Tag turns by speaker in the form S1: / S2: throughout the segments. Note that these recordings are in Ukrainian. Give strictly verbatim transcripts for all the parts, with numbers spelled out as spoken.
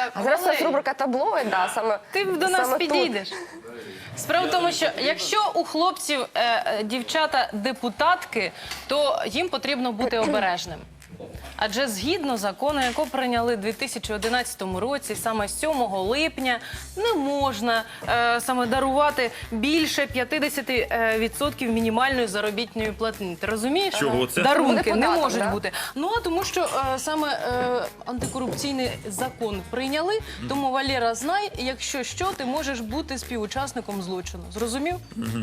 S1: Так,
S2: А зараз у нас
S1: Валерій,
S2: рубрика таблоїд, да, саме
S1: ти до нас
S2: саме тут.
S1: підійдеш. Справа в тому, що якщо у хлопців е, е, дівчата депутатки, то їм потрібно бути обережним. Адже згідно закону, якого прийняли у дві тисячі одинадцятому році, саме сьомого липня, не можна е, саме дарувати більше п'ятдесят відсотків мінімальної заробітної платні. Ти розумієш?
S3: Чого це?
S1: Дарунки
S2: Буде
S1: не
S2: податок,
S1: можуть
S2: да?
S1: бути. Ну, а тому що е, саме е, антикорупційний закон прийняли, тому, Валера, знай, якщо що, ти можеш бути співучасником злочину. Зрозумів?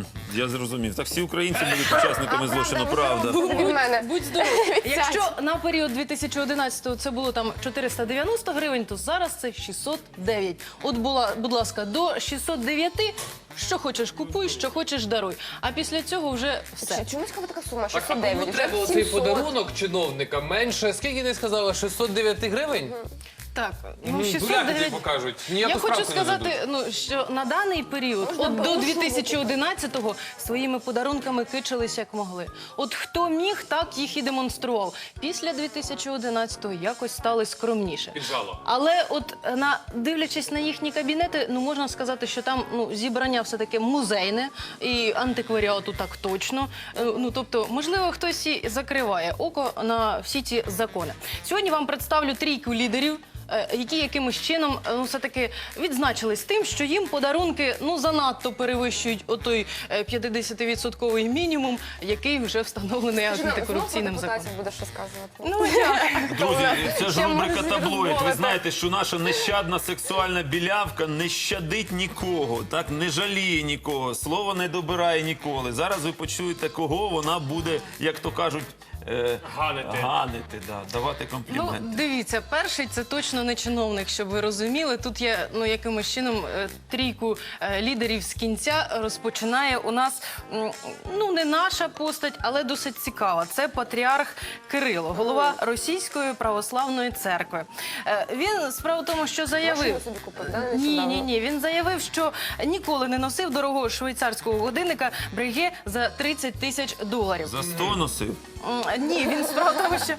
S3: Я зрозумів. Так всі українці будуть учасниками злочину, правда.
S2: Від мене.
S1: Будь здоров. Якщо на період дві тисячі одинадцятого це було там чотириста дев'яносто гривень, то зараз це шістсот дев'ять. От була, будь ласка, до шістсот дев'ять, що хочеш купуй, що хочеш даруй. А після цього вже все.
S2: Чомусь кого така сума?
S4: Так, а
S2: шістсот
S4: кому
S2: дев'ять,
S4: треба
S2: вже
S4: оцей
S2: сімсот.
S4: подарунок чиновника менше? Скільки ти сказала? шістсот дев'ять гривень?
S1: Так, ну
S4: Ну,
S1: шістсот
S4: дуляки тобі
S1: дев'ять.
S4: покажуть. Ніяку
S1: Я хочу
S4: справку не
S1: сказати,
S4: дадуть.
S1: ну що на даний період,
S2: Можна
S1: от до
S2: було
S1: дві тисячі одинадцятого, своїми подарунками кичились як могли. От хто міг, так їх і демонстрував. Після дві тисячі одинадцятого якось стали скромніше.
S4: Піджало.
S1: Але от на дивлячись на їхні кабінети, ну можна сказати, що там ну зібрання все таки музейне і антикваріату так точно. Е, Ну тобто, можливо, хтось і закриває око на всі ці закони. Сьогодні вам представлю трійку лідерів, е, які якимось чином е, ну, все-таки відзначились тим, що їм подарунки ну занадто перевищують отой е, п'ятдесятивідсотковий мінімум, який вже встановлений антикорупційним законом.
S2: Депутатів будеш розказувати.
S1: Ну як?
S3: Друзі, це ж
S2: Ще
S3: рубрика
S2: можна
S3: таблоїд. Ви
S2: розмовити.
S3: знаєте, що наша нещадна сексуальна білявка не щадить нікого, так не жаліє нікого, слово не добирає ніколи. Зараз ви почуєте, кого вона буде, як то кажуть, е,
S4: Ганити.
S3: ганити, да, давати
S1: Ну,
S3: компліменти.
S1: дивіться, перший це точно не чиновник, щоб ви розуміли. Тут є ну якимось чином е, трійку е, лідерів з кінця розпочинає у нас м, ну не наша постать, але досить цікава. Це патріарх Кирило, голова Російської православної церкви. Е, він справа в тому, що заявив.
S2: Машину собі купив, да,
S1: Ні,
S2: нещодавно?
S1: ні, ні. Він заявив, що ніколи не носив дорогого швейцарського годинника Breguet за тридцять тисяч доларів.
S3: За сто носив.
S1: М, Ні, він справа в тому, що...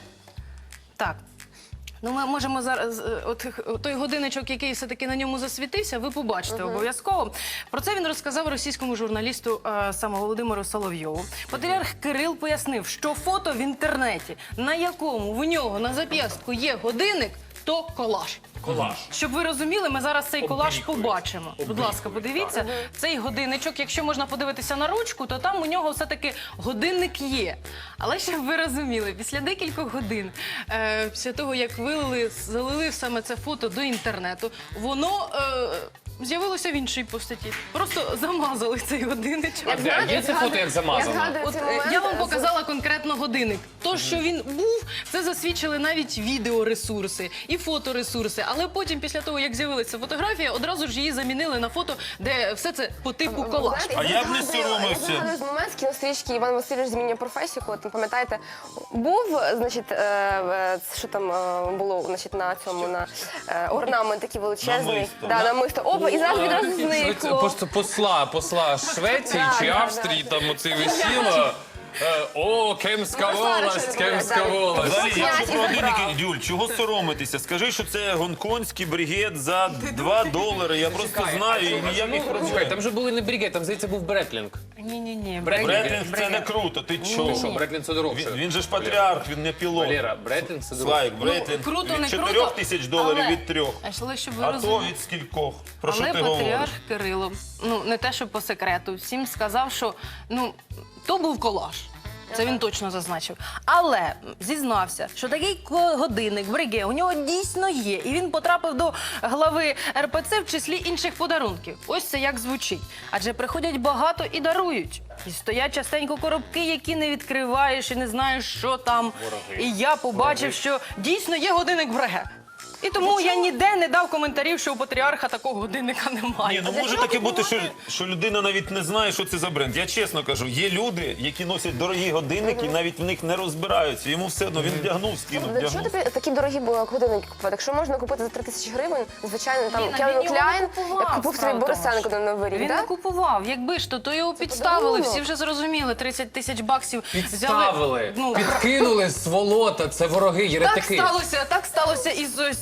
S1: Так. Ну, ми можемо зараз, е, от х- той годинничок, який все-таки на ньому засвітився, ви побачите обов'язково. Про це він розказав російському журналісту е, саме Володимиру Соловйову. Патріарх Кирил пояснив, що фото в інтернеті, на якому в нього на зап'ястку є годинник, то колаж.
S4: Колаж.
S1: Щоб ви розуміли, ми зараз цей колаж
S4: Облікують.
S1: побачимо. Будь ласка, подивіться. Цей годинничок, якщо можна подивитися на ручку, то там у нього все-таки годинник є. Але щоб ви розуміли, після декількох годин, е, після того, як вилили, залили саме це фото до інтернету, воно е, з'явилося в іншій постаті. Просто замазали цей годинничок.
S4: А де? Є це фото, як замазано?
S2: Я згадую
S1: От,
S2: цей
S1: е,
S2: момент.
S1: я вам
S2: з-
S1: показала конкретно годинник. То, що він був, це засвідчили навіть відеоресурси і фоторесурси. Але потім, після того, як з'явилася фотографія, одразу ж її замінили на фото, де все це по типу
S2: Ви
S1: колаж.
S2: знаєте,
S3: А я б не
S2: згадую-
S3: соромився.
S2: Я згадую з момент з кінострічки Іван Васильович змінює професію, коли там, пам'ятаєте, був, значить, е, е, що там е, було, значить, на цьому, на е, орнамент такий величезний.
S3: Намисто.
S2: Да, намисто. Опа, і зараз відразу
S4: Це
S2: зникло.
S4: просто посла, посла Швеції
S2: Да,
S4: чи
S2: да,
S4: Австрії, там оце висіло. Е, О, кемська
S2: Ну,
S4: волость,
S2: зараз
S4: кемська
S2: щось буде,
S4: волость.
S3: Взагалі, якщо
S2: Князь
S3: про
S2: і забрав.
S3: годинники, Юль, чого соромитися? Скажи, що це гонконгський бригет за два долари. Я просто знаю, і ніяких
S4: Слухай,
S3: проблем.
S4: там же були не бригет, там, здається, був Бретлінг.
S1: Ні-ні-ні.
S4: Бретлінг.
S3: Бретлінг це не круто, ти
S4: Ти
S3: чого?
S4: що, Бретлінг це дорогше.
S3: Він, він же ж патріарх, він не пілот.
S4: Валера, Бретлінг це дорогше.
S3: Слайк, Бретлінг
S1: круто, не
S3: від
S1: круто,
S3: чотирьох тисяч доларів
S1: але-
S3: від трьох.
S1: Але щоб ви
S3: А то
S1: розуміли.
S3: від скількох. Про що
S1: Але
S3: ти говориш?
S1: патріарх Кирило, ну не те, що по секрету, всім сказав, що ну то був колаж. Це він точно зазначив. Але зізнався, що такий ко- годинник Breguet у нього дійсно є. І він потрапив до глави ер пе це в числі інших подарунків. Ось це як звучить. Адже приходять багато і дарують. І стоять частенько коробки, які не відкриваєш і не знаєш, що там. І я побачив, що дійсно є годинник Breguet. І тому я ніде не дав коментарів, що у патріарха такого годинника немає.
S3: Ні, ну може таке бути, що, що людина навіть не знає, що це за бренд. Я чесно кажу, є люди, які носять дорогі годинники, і навіть в них не розбираються. Йому все одно, він вдягнув, скинув,
S2: Для чого
S3: вдягнув.
S2: тобі такі дорогі були годинники купувати? Якщо можна купити за три тисячі гривень, звичайно, там
S1: Ні,
S2: Кевін
S1: він його
S2: Кляйн,
S1: не купував,
S2: як купив собі
S1: справа в тому,
S2: Борисенко
S1: що
S2: на Новий рік,
S1: Він не
S2: так?
S1: купував. Якби ж то, то його підставили.
S2: подарунок.
S1: Всі вже зрозуміли. тридцять тисяч баксів
S4: Підставили,
S1: Ну,
S4: підкинули сволота, це вороги,
S1: так
S4: єретики.
S1: сталося, так сталося із ось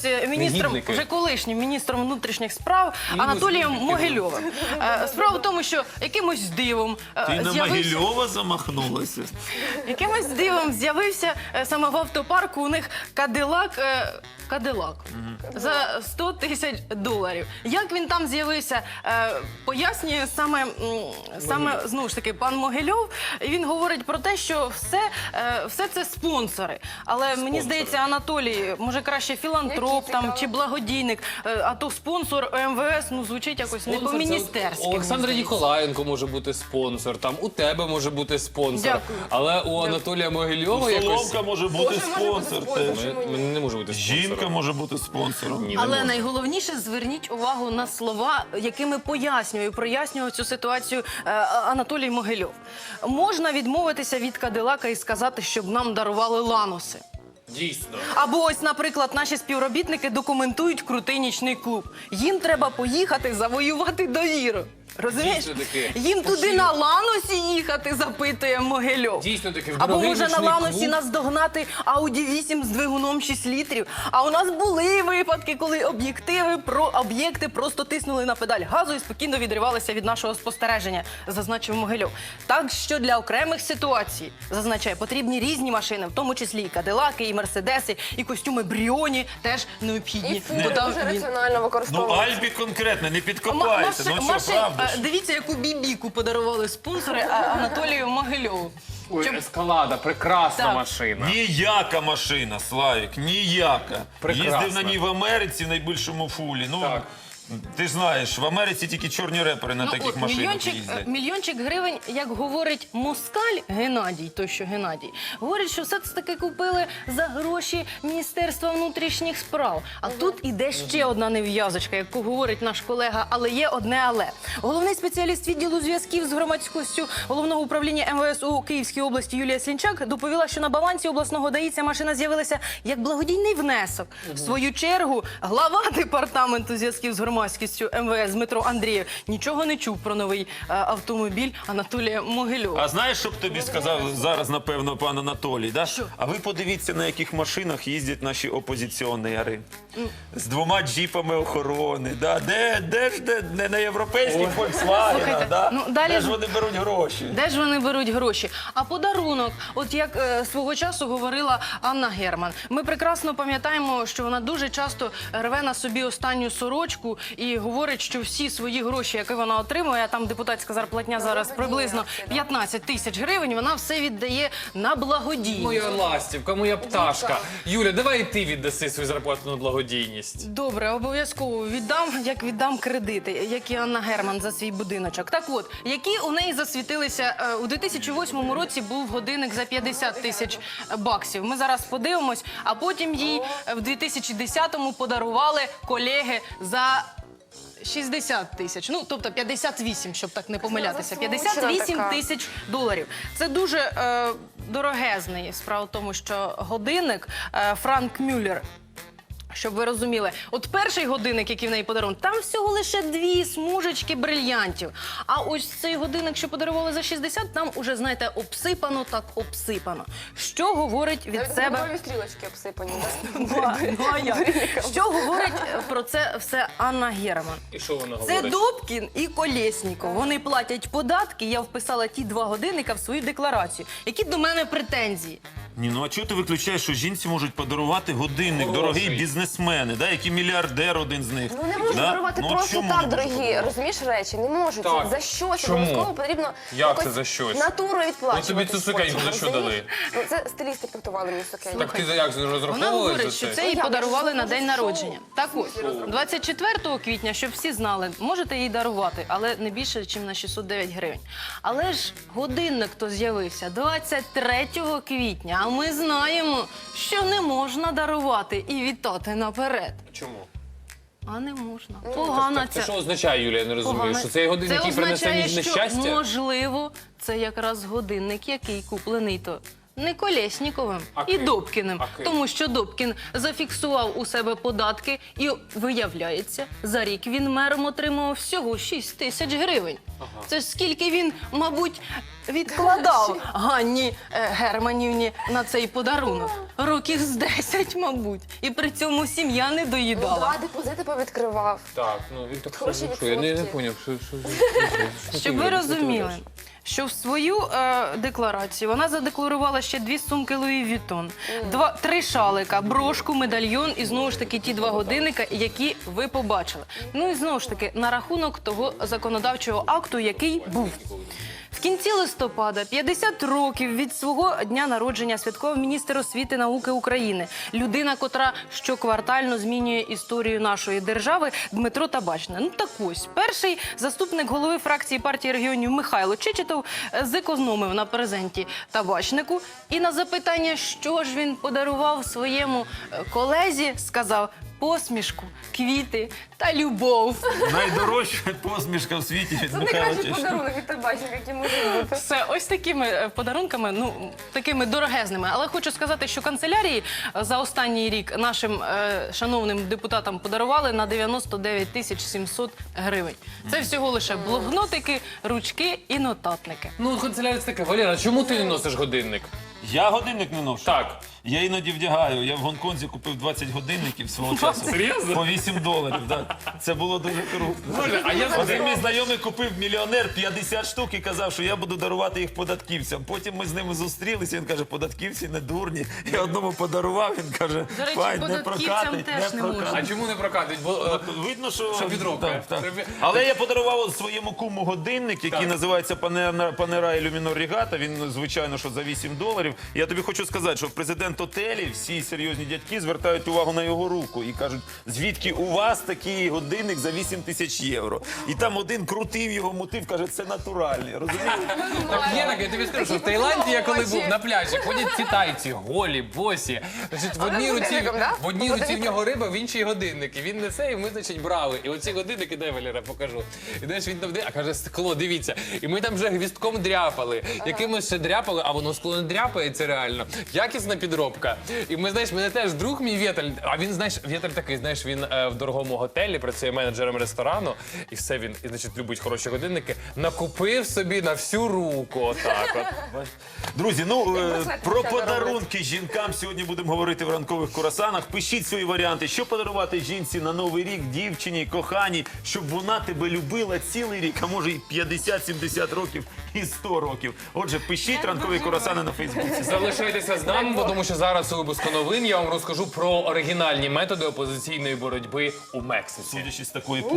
S1: е, міністром,
S4: Негідники.
S1: вже колишнім міністром внутрішніх справ Анатолієм Могильовим. Е, Справа в тому, що якимось дивом е,
S3: Ти на
S1: з'явився...
S3: Могильова замахнулася?
S1: Якимось дивом з'явився е, саме в автопарку у них Кадилак. е, Кадилак за сто тисяч доларів. Як він там з'явився, е, пояснює саме, м, саме знову ж таки пан Могильов. І він говорить про те, що все, е, все це спонсори. Але мені здається, Анатолій, може краще філантроп
S2: Які
S1: там
S2: цікаво.
S1: чи благодійник, е, а то спонсор ем ве ес, ну звучить якось не
S4: Спонсор це
S1: по-міністерськи.
S4: от Олександра
S1: мені здається.
S4: Ніколаєнко може бути спонсор, там у тебе може бути спонсор.
S1: Дякую.
S4: Але у Анатолія Могильова якось...
S3: Соломка може бути
S2: Боже, може бути
S3: спонсор
S2: спонсор.
S3: теж.
S2: Чому ні?
S4: Мене не може бути спонсором.
S3: Жінка може бути спонсором.
S1: Але найголовніше зверніть увагу на слова, якими пояснює, прояснював цю ситуацію е, Анатолій Могильов. Можна відмовитися від Кадилака і сказати, щоб нам дарували ланоси.
S4: Дійсно.
S1: Або ось, наприклад, наші співробітники документують крутий нічний клуб. Їм треба поїхати завоювати довіру. Розумієш?
S4: Дійсно таки.
S1: Їм туди на ланосі їхати, запитує Могильов.
S4: Дійсно таки, в
S1: Або
S4: дорогий
S1: може на
S4: нічний
S1: ланосі
S4: клуб.
S1: нас догнати Ауді вісім з двигуном шість літрів. А у нас були випадки, коли об'єктиви про об'єкти просто тиснули на педаль газу і спокійно відривалися від нашого спостереження, зазначив Могильов. Так що для окремих ситуацій, зазначає, потрібні різні машини, в тому числі і Кадилаки, і Мерседеси, і костюми Бріоні теж необхідні.
S2: І фури
S1: Бо там
S2: дуже
S1: він-
S2: раціонально
S3: Ну,
S2: використовують.
S3: Альбі конкретно, не
S1: Ма-
S3: підкопайся.
S1: маши-
S3: Ну що,
S1: машин-
S3: правда
S1: а,
S3: ж?
S1: Дивіться, яку бібіку подарували спонсори а, Анатолію Могильову.
S4: Ой,
S1: Щоб-
S4: Ескалада, прекрасна
S1: Так.
S4: машина.
S3: Ніяка машина, Славік, ніяка.
S4: Прекрасна.
S3: Їздив на ній в Америці в найбільшому фулі. Ну,
S4: Так.
S3: ти ж знаєш, в Америці тільки чорні репери на
S1: Ну,
S3: таких
S1: от,
S3: машинах
S1: мільйончик,
S3: їздять.
S1: мільйончик гривень, як говорить москаль Геннадій, той що Геннадій, говорить, що все це таки купили за гроші Міністерства внутрішніх справ. А тут іде ще одна нев'язочка, як говорить наш колега, але є одне але. Головний спеціаліст відділу зв'язків з громадськістю Головного управління ем ве ес у Київській області Юлія Слінчак доповіла, що на балансі обласного ДАІ ця машина з'явилася як благодійний внесок. В свою чергу глава департаменту зв'язків з громадськістю ем ве ес Дмитро Андрієв нічого не чув про новий е, автомобіль Анатолія Могильова.
S3: А знаєш, що б тобі сказав зараз, напевно, пан Анатолій? Да?
S1: Що?
S3: А ви подивіться, на яких машинах їздять наші опозиціонери. З двома джіпами охорони. Да? Де, де ж де, не на європейських
S1: Слухайте,
S3: Volkswagen, да?
S1: ну, далі
S3: де
S1: ж-
S3: ж вони беруть гроші?
S1: Де ж вони беруть гроші? А подарунок, от як е, свого часу говорила Анна Герман. Ми прекрасно пам'ятаємо, що вона дуже часто рве на собі останню сорочку і говорить, що всі свої гроші, які вона отримує, а там депутатська зарплатня зараз приблизно п'ятнадцять тисяч гривень, вона все віддає на благодійність.
S4: Моя ластівка, моя пташка. Юля, давай і ти віддаси свою зарплату на благодійність.
S1: Добре, обов'язково віддам, як віддам кредити, як і Анна Герман за свій будиночок. Так от, які у неї засвітилися, е, у дві тисячі восьмому році був годинник за п'ятдесят тисяч баксів. Ми зараз подивимось, а потім їй е, в дві тисячі десятому подарували колеги за шістдесят тисяч, ну тобто п'ятдесят вісім, щоб так не помилятися. п'ятдесят вісім
S2: така.
S1: тисяч доларів. Це дуже е, дорогезний. Справа в тому, що годинник е, Франк Мюллер. Щоб ви розуміли, от перший годинник, який в неї подарунок, там всього лише дві смужечки брильянтів. А ось цей годинник, що подарували за шістдесят, там уже, знаєте, обсипано так обсипано. Що говорить від
S2: Навіть
S1: себе...
S2: гумові стрілочки обсипані.
S1: Ну, а- ну, а як? Що говорить е, про це все Анна Герман?
S4: І що вона
S1: Це
S4: говорить?
S1: Добкін і Колєсніков. Вони платять податки, я вписала ті два годинника в свою декларацію. Які до мене претензії?
S3: Ні, ну а чого ти виключаєш, що жінці можуть подарувати годинник,
S4: Хороший.
S3: дорогі бізнесмени, да, які мільярдер один з них.
S2: Ну не можуть
S3: да?
S2: дарувати
S3: Ну, от
S2: просто
S3: чому
S2: так,
S3: не можуть
S2: дорогі,
S3: подарувати?
S2: розумієш, речі, не можуть.
S4: Так.
S2: За щось
S4: Чому?
S2: обов'язково потрібно
S4: Як
S2: якось
S4: це за щось?
S2: натуру відплачувати.
S4: Ну, тобі цю сукеньку за що
S2: розумієш?
S4: дали?
S2: Ну, це стилісти підготували мені сукеньку.
S4: Так ти за як
S1: Вона
S4: розраховувала
S1: говорить,
S4: за
S1: що
S4: це?
S1: це їй
S2: Ну, як?
S1: подарували
S2: Я
S1: на
S2: ж
S1: день
S2: шоу.
S1: народження. Так ось, двадцять четвертого квітня, щоб всі знали, можете їй дарувати, але не більше, ніж на шістсот дев'ять гривень. Але ж годинник то з'явився двадцять третього квітня, а ми знаємо, що не можна дарувати і вітати наперед.
S4: Чому?
S1: А не можна. Погана
S4: Це
S1: ця.
S4: що означає, Юлія, я не розумію?
S1: Погано.
S4: Що цей годинник, який принесе
S1: означає,
S4: ніж
S1: що,
S4: нещастя?
S1: можливо, це якраз годинник, який куплений то не Колєсніковим
S4: А
S1: і
S4: ким?
S1: Добкіним.
S4: А ким?
S1: Тому що Добкін зафіксував у себе податки і, виявляється, за рік він мером отримав всього шість тисяч гривень. Це ж скільки він, мабуть, відкладав Ганні е, Германівні на цей подарунок. Років з десять, мабуть. І при цьому сім'я не
S2: Ну,
S1: доїдала.
S2: да, депозити повідкривав.
S4: Так, ну він так
S2: Хороші
S4: що, що я не, не
S2: відсотки.
S4: поняв, що, що, що,
S1: Щоб ви розуміли, що в свою е, декларацію вона задекларувала ще дві сумки Луї Вітон, два, три шалика, брошку, медальйон і знову ж таки ті два годинника, які ви побачили. Ну і знову ж таки на рахунок того законодавчого акту, який був. В кінці листопада п'ятдесят років від свого дня народження святкував міністр освіти і науки України. Людина, котра щоквартально змінює історію нашої держави, Дмитро Табачний. Ну так ось, перший заступник голови фракції партії регіонів Михайло Чечетов зекономив на презенті Табачнику. І на запитання, що ж він подарував своєму е, колезі, сказав посмішку, квіти та любов.
S3: Найдорожча посмішка в світі від
S2: Це
S3: Михайла
S2: найкращий
S3: Чечетова.
S2: подарунок від табачника, який може бути.
S1: Все, ось такими е, подарунками, ну такими дорогезними. Але хочу сказати, що канцелярії е, за останній рік нашим е, шановним депутатам подарували на дев'яносто дев'ять тисяч сімсот гривень. Це всього лише блокнотики, ручки і нотатники.
S4: Ну, канцелярія це таке. Валера, чому ти не носиш годинник?
S3: Я годинник не ношу.
S4: Так.
S3: Я іноді вдягаю. Я в Гонконзі купив двадцять годинників свого часу.
S4: Серйозно?
S3: По вісім доларів. Так. Це було дуже круто.
S4: Боже, а я
S3: Один мій знайомий купив мільйонер п'ятдесят штук і казав, що я буду дарувати їх податківцям. Потім ми з ними зустрілися, він каже, податківці не дурні. Я одному подарував, він каже,
S1: До речі,
S3: файн, не
S1: податківцям
S3: прокатить,
S1: теж
S3: не
S1: не можна.
S4: А
S3: прокатить.
S4: чому не прокатить? Бо е,
S3: Видно, що...
S4: Що підробка.
S3: Так, так.
S4: Це-
S3: Але я подарував от своєму куму годинник, який
S4: Так.
S3: називається Панера, Панера Ілюмінор Рігата. Він, звичайно, що за вісім доларів. Я тобі хочу сказати, що президент Отелі, всі серйозні дядьки звертають увагу на його руку і кажуть, звідки у вас такий годинник за вісім тисяч євро. І там один крутив його, мутив, каже, це натуральний. Розумієш?
S4: так є таке, я тобі скажу, що в Таїланді я коли був на пляжі, ходять ці тайці, голі, босі. Значить, в одній
S2: з
S4: руці,
S2: годинником, да?
S4: в одній руці в нього риба, в іншій годинник. І він несе, і ми, значить, брали. І оці годинники, дай, Валера, покажу. І знаєш, він там де, а каже, скло, дивіться. І ми там вже гвістком дряпали. Якимось ще дряпали, а воно скло не дряпається реально. Якісна підробка. І ми, знаєш, мене теж друг мій Вєтель, а він, знаєш, Вєтель такий, знаєш, він е, в дорогому готелі, працює менеджером ресторану, і все, він, і, значить, любить хороші годинники, накупив собі на всю руку, отак от.
S3: Друзі, ну е,
S2: браслети
S3: про
S2: треба
S3: подарунки жінкам сьогодні будемо говорити в ранкових курасанах. Пишіть свої варіанти, що подарувати жінці на новий рік, дівчині, коханій, щоб вона тебе любила цілий рік, а може і п'ятдесят сімдесят років, і сто років. Отже, пишіть ранкові курасани на Фейсбуці.
S4: Залишайтеся з нами, бо тому що зараз у випуску новин я вам розкажу про оригінальні методи опозиційної боротьби у Мексиці.
S3: Судячи з такої